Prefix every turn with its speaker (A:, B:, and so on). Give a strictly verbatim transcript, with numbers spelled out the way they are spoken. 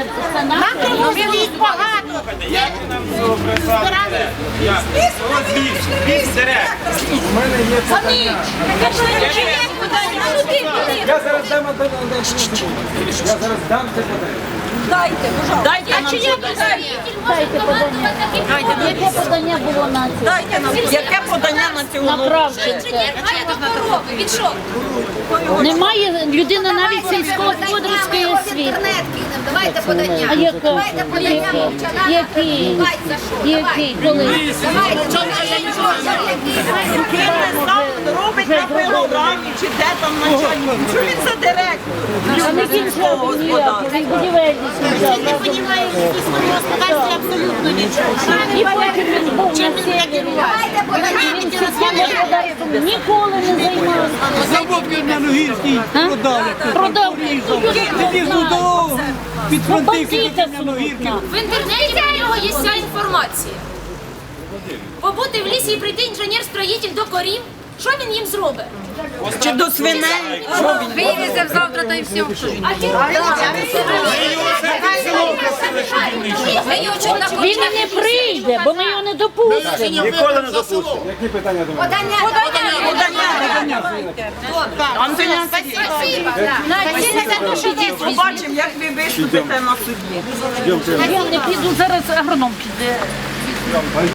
A: це, це наше.
B: Ну, він їх багато.
C: Віз дерев.
D: У мене є питання. Я зараз дам одне Я зараз дам це питання.
B: Дайте, пожалуйста. Дайте нам це подання.
A: Дайте подання. Яке подання було на це?
B: Дайте нам. Яке подання на цю
A: На Кравченка.
E: Від що?
A: Немає людина навіть сільськогосподарської освіти.
E: Давайте подання.
A: А яка?
E: Давайте подання мовчана.
A: Який?
E: За що?
A: Який? Коли?
E: Давайте.
B: робить на пилорамі, чи де там начальник. Що він за директор?
A: А не кінцевий ніякий, він будівельний сюди.
B: Не розуміє в господарстві абсолютно нічого.
A: І потім він був на севері.
E: Давайте подання.
A: Він сільським господарством ніколи не займався.
F: Завод на Ногірській продали.
A: Продав.
F: Під'їзду до
A: Ну,
F: підфронтівки
A: бандита
F: на Ногірки.
E: В інтернеті про нього є вся інформація. Побути в лісі і прийти інженер-строїтель до корів, що він їм зробить?
B: Чи до свиней?
E: Вивезем завтра та й все. А ті
A: Він і не прийде, бо ми його не допустимо.
C: Ніколи не допустимо.
D: Які питання до мене?
E: подання.
B: Антоніна, побачимо, як ви виступите на суді.
A: Я не піду, зараз агроном піде.